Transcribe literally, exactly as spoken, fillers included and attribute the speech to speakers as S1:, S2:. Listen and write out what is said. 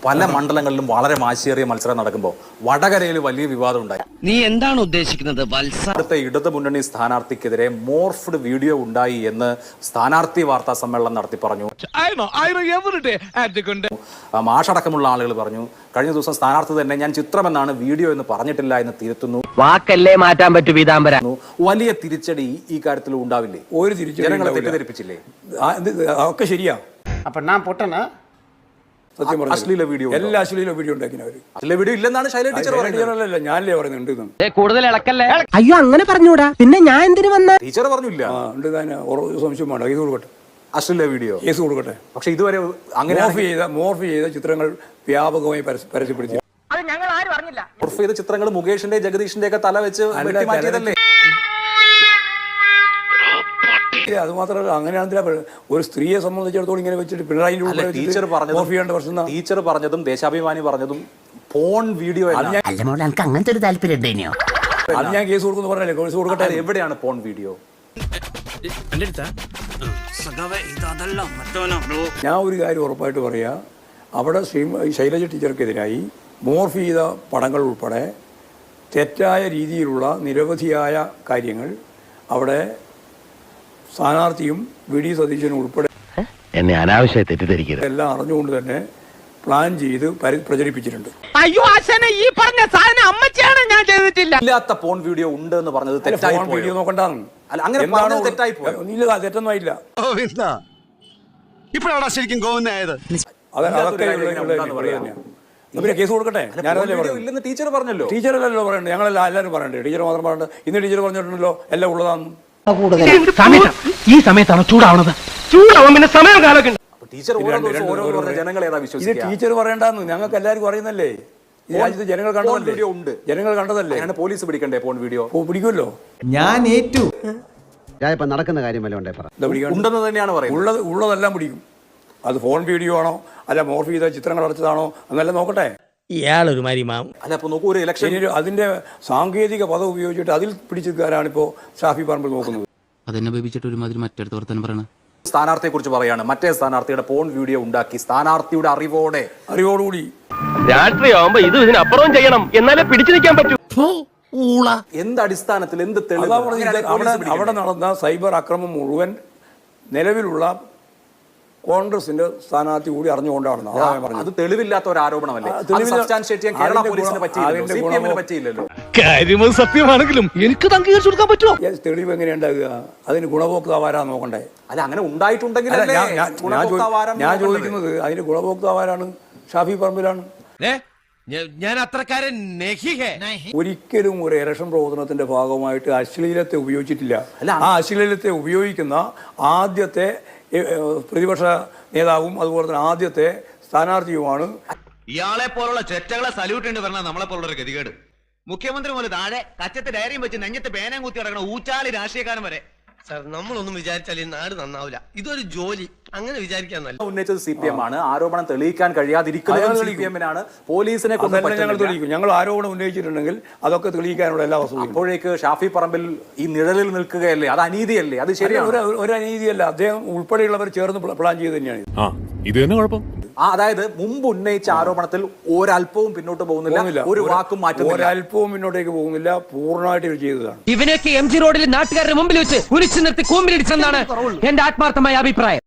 S1: പല മണ്ഡലങ്ങളിലും വളരെ വാശിയേറിയ മത്സരം നടക്കുമ്പോൾ വടകരയിൽ വലിയ വിവാദം ഉണ്ടായി.
S2: നീ എന്താണ് ഉദ്ദേശിക്കുന്നത് വത്സ?
S1: അടുത്ത ഇടതു മുന്നണി സ്ഥാനാർത്ഥിക്കെതിരെ മോർഫ്ഡ് വീഡിയോ ഉണ്ടായി എന്ന് സ്ഥാനാർത്ഥി വാർത്താ സമ്മേളനം നടത്തി പറഞ്ഞു. മാഷടക്കമുള്ള ആളുകൾ പറഞ്ഞു. കഴിഞ്ഞ ദിവസം സ്ഥാനാർത്ഥി തന്നെ ഞാൻ ചിത്രമെന്നാണ് വീഡിയോ എന്ന് പറഞ്ഞിട്ടില്ല എന്ന് തിരുത്തുന്നു.
S2: വാക്കല്ലേ മാറ്റാൻ പറ്റൂ പീതാംബര.
S1: വലിയ തിരിച്ചടി ഈ കാര്യത്തിൽ ഉണ്ടാവില്ലേ?
S3: ഒരു തിരിച്ചടി
S1: ജനങ്ങളെ തെറ്റിദ്ധരിപ്പിച്ചില്ലേ?
S3: ഒക്കെ ശരിയാ.
S4: അപ്പൊ ഞാൻ പൊട്ടനാ?
S3: സത്യം പറഞ്ഞു.
S1: അശ്ലീല വീഡിയോ,
S3: എല്ലാ അശ്ലീല വീഡിയോ ഉണ്ടാക്കിയവര്.
S1: അശ്ലീല വീഡിയോ ഇല്ലെന്നാണ് ശൈലജ ടീച്ചർ പറയുന്നത്.
S3: ഞാനല്ലേ പറയുന്നുണ്ട്.
S2: കൂടുതൽ ഇളക്കല്ലേ?
S5: അയ്യോ അങ്ങനെ പറഞ്ഞൂടാ. പിന്നെ ഞാൻ എന്തിനു വന്ന?
S1: ടീച്ചർ പറഞ്ഞില്ല.
S3: ഉണ്ട് തന്നെ സംശയം വേണ്ട. കേസ് കൊടുക്കട്ടെ.
S1: അശ്ലീല വീഡിയോ
S3: കേസ് കൊടുക്കട്ടെ.
S1: പക്ഷെ ഇതുവരെ അങ്ങനെ
S3: മോർഫ് ചെയ്ത മോർഫ് ചെയ്ത ചിത്രങ്ങൾ വ്യാപകമായി പരസ്യപ്പെടുത്തി.
S1: മോർഫ് ചെയ്ത ചിത്രങ്ങൾ മുകേഷിന്റെ ജഗദീഷിന്റെ ഒക്കെ തല വെച്ച് മാറ്റിയതല്ലേ?
S3: അത് മാത്രമല്ല, അങ്ങനെയാണെന്നില്ല ഒരു സ്ത്രീയെ സംബന്ധിച്ചിടത്തോളം ഇങ്ങനെ വെച്ചിട്ട് പിണറായി
S1: ടീച്ചർ പറഞ്ഞതും ടീച്ചർ പറഞ്ഞതും ദേശാഭിമാനി പറഞ്ഞതും ഫോൺ വീഡിയോ
S5: അങ്ങനത്തെ ഒരു താല്പര്യം ഉണ്ടോ?
S3: അത് ഞാൻ കേസ് കൊടുക്കുന്നു പറഞ്ഞല്ലേ. കേസ് കൊടുക്കട്ടെ.
S1: എവിടെയാണ് ഫോൺ വീഡിയോ?
S3: ഞാൻ ഒരു കാര്യം ഉറപ്പായിട്ട് പറയാ, അവിടെ ശ്രീ ശൈലജ ടീച്ചർക്കെതിരായി മോർഫ് ചെയ്ത പടങ്ങൾ ഉൾപ്പെടെ തെറ്റായ രീതിയിലുള്ള നിരവധിയായ കാര്യങ്ങൾ അവിടെ സ്ഥാനാർത്ഥിയും വി ഡി സതീശനും ഉൾപ്പെടെ
S2: എന്നെ അനാവശ്യമായി തെറ്റിദ്ധരിക്കരുത്
S3: എല്ലാം അറിഞ്ഞുകൊണ്ട് തന്നെ പ്ലാൻ ചെയ്ത് പ്രചരിപ്പിച്ചിട്ടുണ്ട്.
S5: അയ്യോ ആശാനെ, ഈ പറഞ്ഞ സാധനം അമ്മച്ചാണ്, ഞാൻ ചെയ്തിട്ടില്ല.
S1: ഇല്ലാത്ത ഫോൺ വീഡിയോ ഉണ്ട് എന്ന് പറഞ്ഞത് തെറ്റായി പോയി.
S3: വീഡിയോ നോക്കണ്ടാണ്.
S1: അല്ല, അങ്ങനെ പറഞ്ഞത് തെറ്റായി പോയി.
S3: ഇല്ല, തെറ്റൊന്നും ആയില്ല.
S4: ഇപ്പോഴാണ് ശരിക്കും ഗോവിന്ദായത്.
S3: പിന്നെ കേസ് കൊടുക്കട്ടെ. ഞാനല്ലേ
S1: ഇല്ലെന്ന് ടീച്ചർ പറഞ്ഞല്ലോ.
S3: ടീച്ചറല്ലല്ലോ പറയണ്ടേ, ഞങ്ങളെല്ലാം എല്ലാവരും പറയണ്ടേ. ടീച്ചർ മാത്രം പറയണ്ട. ഇന്ന് ടീച്ചർ പറഞ്ഞിട്ടുണ്ടല്ലോ എല്ലാം ഉള്ളതാന്ന്.
S5: ഈ സമയത്താണ് ചൂടാവണത്. ചൂടാവാൻ പിന്നെ സമയം കാലൊക്കെ
S1: ടീച്ചർ ജനങ്ങൾ ഏതാ
S3: ഇത്
S1: വിശ്വസിക്കുക?
S3: ടീച്ചർ പറയണ്ടെന്ന് ഞങ്ങൾക്ക് എല്ലാവർക്കും അറിയുന്നല്ലേ. ഈ രാജ്യത്ത് ജനങ്ങൾ കണ്ടതല്ലേ.
S1: വീഡിയോ ഉണ്ട്,
S3: ജനങ്ങൾ കണ്ടതല്ലേ.
S1: പോലീസ് പിടിക്കണ്ടേ ഫോൺ വീഡിയോ?
S3: പിടിക്കുമല്ലോ.
S5: ഞാൻ ഏറ്റു.
S2: ഇപ്പൊ നടക്കുന്ന കാര്യമല്ല ഉണ്ടേ പറ.
S1: ഉണ്ടെന്ന് തന്നെയാണ് പറയുന്നത്.
S3: ഉള്ളത് ഉള്ളതെല്ലാം പിടിക്കും. അത് ഫോൺ വീഡിയോ ആണോ അല്ല മോർഫ് ചെയ്ത ചിത്രങ്ങൾ അടച്ചതാണോ എന്നെല്ലാം നോക്കട്ടെ.
S5: ഇയാളൊരു മാരിമാ.
S1: അല്ല, അപ്പൊ നോക്കൂ, ഒരു ഇലക്ഷൻ
S3: അതിന്റെ സാങ്കേതിക പദം ഉപയോഗിച്ചിട്ട് അതിൽ പിടിച്ചെടുക്കാനാണിപ്പോ ഷാഫി പറമ്പിൽ നോക്കുന്നത്.
S6: അതെന്നെ ബേബിച്ചിട്ട് ഒരുമാതിരി മറ്റടുത്ത് വർത്താനം പറയണ
S1: സ്ഥാനാർത്ഥിയെ കുറിച്ച് പറയാണ്. മറ്റേ സ്ഥാനാർത്ഥിയുടെ ഫോൺ വീഡിയോ ഉണ്ടാക്കി സ്ഥാനാർത്ഥിയുടെ അറിവോടെ
S3: അറിവോടുകൂടി
S2: രാഷ്ട്രീയമാകുമ്പോ ഇത് ഇതിനപ്പുറവും ചെയ്യണം, എന്നാലേ പിടിച്ചു നിൽക്കാൻ പറ്റൂ.
S1: എന്ത് അടിസ്ഥാനത്തിൽ, എന്ത് തെളിവ്?
S3: അവിടെ നടന്ന സൈബർ അക്രമം മുഴുവൻ നിലവിലുള്ള കോൺഗ്രസിന്റെ സ്ഥാനാർത്ഥി കൂടി അറിഞ്ഞുകൊണ്ടാണ്.
S1: അത് തെളിവില്ലാത്ത ഒരു ആരോപണമല്ലേ? കേരള പോലീസിന് പറ്റിയില്ലല്ലോ, സി പി എമ്മിന് പറ്റിയില്ലല്ലോ.
S5: കാര്യം സത്യമാണെങ്കിലും എനിക്ക് അംഗീകരിച്ചു കൊടുക്കാൻ പറ്റുമോ?
S3: തെളിവ് എങ്ങനെയാ ഉണ്ടാകുക? അതിന് ഗുണഭോക്താവാരാ നോക്കണ്ടേ?
S1: അല്ല, അങ്ങനെ ഉണ്ടായിട്ടുണ്ടെങ്കിൽ
S3: ഞാൻ ചോദിക്കുന്നത് അതിന് ഗുണഭോക്താവാരാണ്? ഷാഫി പറമ്പിലാണ്.
S4: ഞാൻ അത്രക്കാരൻ
S3: ഒരിക്കലും ഒരു ഇലക്ഷൻ പ്രവർത്തനത്തിന്റെ ഭാഗമായിട്ട് അശ്ലീലത്തെ ഉപയോഗിച്ചിട്ടില്ല. ആ അശ്ലീലത്തെ ഉപയോഗിക്കുന്ന ആദ്യത്തെ പ്രതിപക്ഷ നേതാവും അതുപോലെ തന്നെ ആദ്യത്തെ സ്ഥാനാർത്ഥിയുമാണ്.
S7: ഇയാളെ പോലുള്ള ചെറ്റകളെ സല്യൂട്ട് ഉണ്ട് പറഞ്ഞാൽ നമ്മളെ പോലുള്ള ഒരു ഗതികേട്. മുഖ്യമന്ത്രി പോലെ താഴെ കച്ചത്തെ ഡയറിയും വെച്ച് നെഞ്ഞത്ത് പേനയും കുത്തി കിടക്കണ ഊച്ചാലി രാഷ്ട്രീയക്കാരൻ വരെ.
S4: സാർ, നമ്മളൊന്നും വിചാരിച്ചാൽ ഈ നാട് നന്നാവില്ല. ഇതൊരു ജോലി, അങ്ങനെ വിചാരിക്കാൻ നല്ല.
S1: ഉന്നയിച്ചത് സി പി എം ആണ്. ആരോപണം തെളിയിക്കാൻ കഴിയാതിരിക്കുന്നത് സി പി എമ്മിനാണ്. പോലീസിനെ
S3: ഞങ്ങൾ തെളിയിക്കും. ഞങ്ങൾ ആരോപണം ഉന്നയിച്ചിട്ടുണ്ടെങ്കിൽ അതൊക്കെ തെളിയിക്കാനുള്ള എല്ലാ വസ്തുതയും.
S1: അപ്പോഴേക്ക് ഷാഫി പറമ്പിൽ ഈ നിഴലിൽ നിൽക്കുകയല്ലേ? അത് അനീതിയല്ലേ? അത് ശരിയാണ്.
S3: ഒരു അനീതിയല്ല. അദ്ദേഹം ഉൾപ്പെടെയുള്ളവർ ചേർന്ന് പ്ലാൻ ചെയ്ത് തന്നെയാണ്
S6: ഇത് തന്നെ കുഴപ്പം.
S1: ആ അതായത് മുമ്പ് ഉന്നയിച്ച ആരോപണത്തിൽ ഒരല്പവും പിന്നോട്ട് പോകുന്നില്ല, ഒരു വാക്കും മാറ്റുന്നില്ല.
S3: ഒരല്പവും മുന്നോട്ടേക്ക് പോകുന്നില്ല. പൂർണ്ണമായിട്ട് ഇവർ ചെയ്തതാണ്.
S5: ഇവനൊക്കെ എം ജി റോഡിൽ നാട്ടുകാരുടെ മുമ്പിൽ വെച്ച് കുരിച്ചു നിർത്തി കൂമ്പിലിടിച്ചെന്നാണ് എന്റെ ആത്മാർത്ഥമായ അഭിപ്രായം.